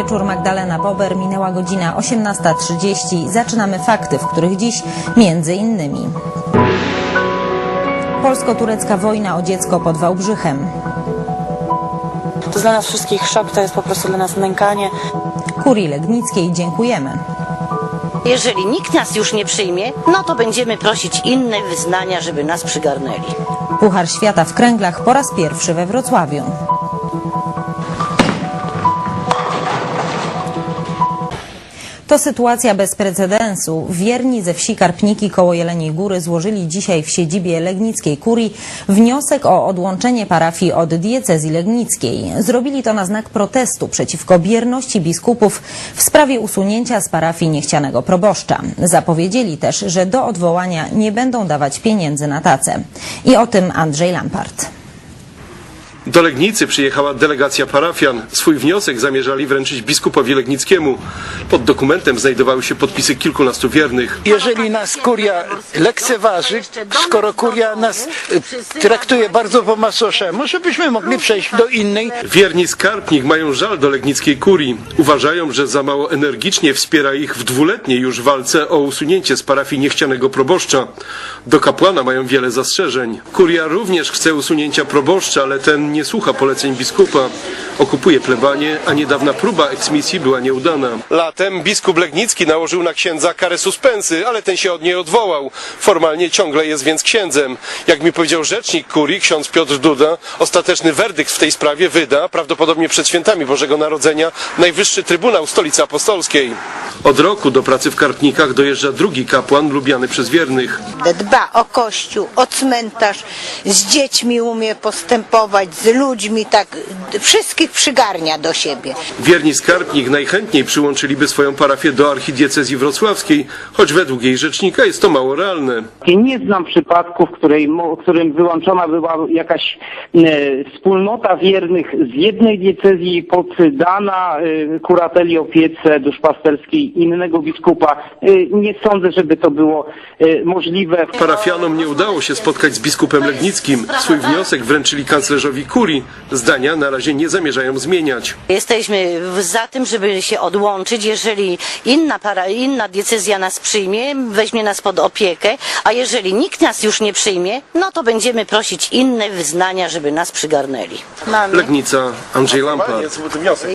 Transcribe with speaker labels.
Speaker 1: wieczór, Magdalena Bober, minęła godzina 18:30. Zaczynamy fakty, w których dziś między innymi polsko-turecka wojna o dziecko pod Wałbrzychem.
Speaker 2: To dla nas wszystkich szok, to jest po prostu dla nas nękanie.
Speaker 1: Kurii Legnickiej dziękujemy.
Speaker 3: Jeżeli nikt nas już nie przyjmie, no to będziemy prosić inne wyznania, żeby nas przygarnęli.
Speaker 1: Puchar Świata w kręglach po raz pierwszy we Wrocławiu. To sytuacja bez precedensu. Wierni ze wsi Karpniki koło Jeleniej Góry złożyli dzisiaj w siedzibie Legnickiej Kurii wniosek o odłączenie parafii od diecezji legnickiej. Zrobili to na znak protestu przeciwko bierności biskupów w sprawie usunięcia z parafii niechcianego proboszcza. Zapowiedzieli też, że do odwołania nie będą dawać pieniędzy na tacę. I o tym Andrzej Lampart.
Speaker 4: Do Legnicy przyjechała delegacja parafian. Swój wniosek zamierzali wręczyć biskupowi Legnickiemu. Pod dokumentem znajdowały się podpisy kilkunastu wiernych.
Speaker 5: Jeżeli nas kuria lekceważy, skoro kuria nas traktuje bardzo po macoszemu, żebyśmy mogli przejść do innej.
Speaker 4: Wierni z Karpnik mają żal do legnickiej kurii. Uważają, że za mało energicznie wspiera ich w dwuletniej już walce o usunięcie z parafii niechcianego proboszcza. Do kapłana mają wiele zastrzeżeń. Kuria również chce usunięcia proboszcza, ale ten nie słucha poleceń biskupa. Okupuje plebanię, a niedawna próba eksmisji była nieudana. Latem biskup Legnicki nałożył na księdza karę suspensy, ale ten się od niej odwołał. Formalnie ciągle jest więc księdzem. Jak mi powiedział rzecznik kurii, ksiądz Piotr Duda, ostateczny werdykt w tej sprawie wyda, prawdopodobnie przed świętami Bożego Narodzenia, Najwyższy Trybunał Stolicy Apostolskiej. Od roku do pracy w Karpnikach dojeżdża drugi kapłan lubiany przez wiernych.
Speaker 6: Dba o kościół, o cmentarz, z dziećmi umie postępować, z ludźmi, tak wszystkich przygarnia do siebie.
Speaker 4: Wierni z Karpnik najchętniej przyłączyliby swoją parafię do archidiecezji wrocławskiej, choć według jej rzecznika jest to mało realne.
Speaker 7: Nie znam przypadku, w którym wyłączona była jakaś wspólnota wiernych z jednej diecezji poddana kurateli, opiece duszpasterskiej innego biskupa. Nie sądzę, żeby to było możliwe.
Speaker 4: Parafianom nie udało się spotkać z biskupem Legnickim. Swój wniosek wręczyli kanclerzowi kurii. Zdania na razie nie zamierzają zmieniać.
Speaker 3: Jesteśmy za tym, żeby się odłączyć, jeżeli inna diecezja nas przyjmie, weźmie nas pod opiekę, a jeżeli nikt nas już nie przyjmie, no to będziemy prosić inne wyznania, żeby nas przygarnęli.
Speaker 4: Legnica, Andrzej Lampart.